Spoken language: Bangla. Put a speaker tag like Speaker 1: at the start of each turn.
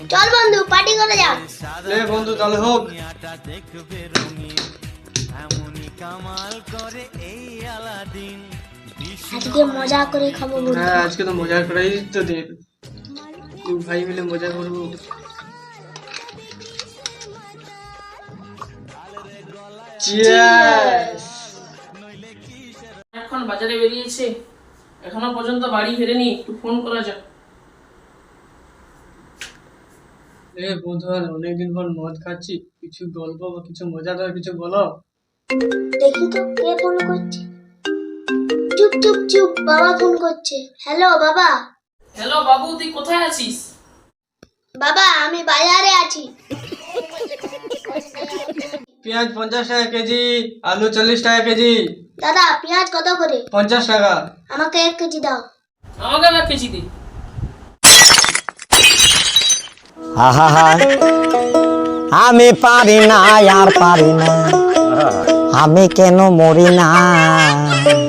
Speaker 1: চল বন্ধু পার্টি করে যাক।
Speaker 2: লে বন্ধু তাহলে হোক।
Speaker 1: আজকে মজা করে খাবো বন্ধু।
Speaker 2: হ্যাঁ আজকে তো মজা করাই তো দিন, দু ভাই মিলে মজা করবো। চিয়ার্স।
Speaker 3: এখন বাজারে বেরিয়েছে, এখনো পর্যন্ত বাড়ি ফেরেনি, একটু ফোন করা যাক।
Speaker 2: এ বন্ধু আর অনেকদিন পর মদ খাচ্ছি, কিছু গল্প বা কিছু মজাদার কিছু বলো।
Speaker 1: দেখি তো কে ফোন করছে। চুপ চুপ চুপ, বাবা ফোন করছে। হ্যালো বাবা।
Speaker 3: হ্যালো বাবু, তুই কোথায় আছিস?
Speaker 1: বাবা আমি বাজারে আছি।
Speaker 2: পেঁয়াজ 50 টাকা কেজি, আলু 40 টাকা কেজি।
Speaker 1: দাদা পেঁয়াজ কত করে?
Speaker 2: 50 টাকা।
Speaker 1: আমাকে 1 কেজি দাও।
Speaker 3: আমাকে না কেজি দে।
Speaker 4: আহা আমি পারি না আর পারি না, আমি কেন মরি না।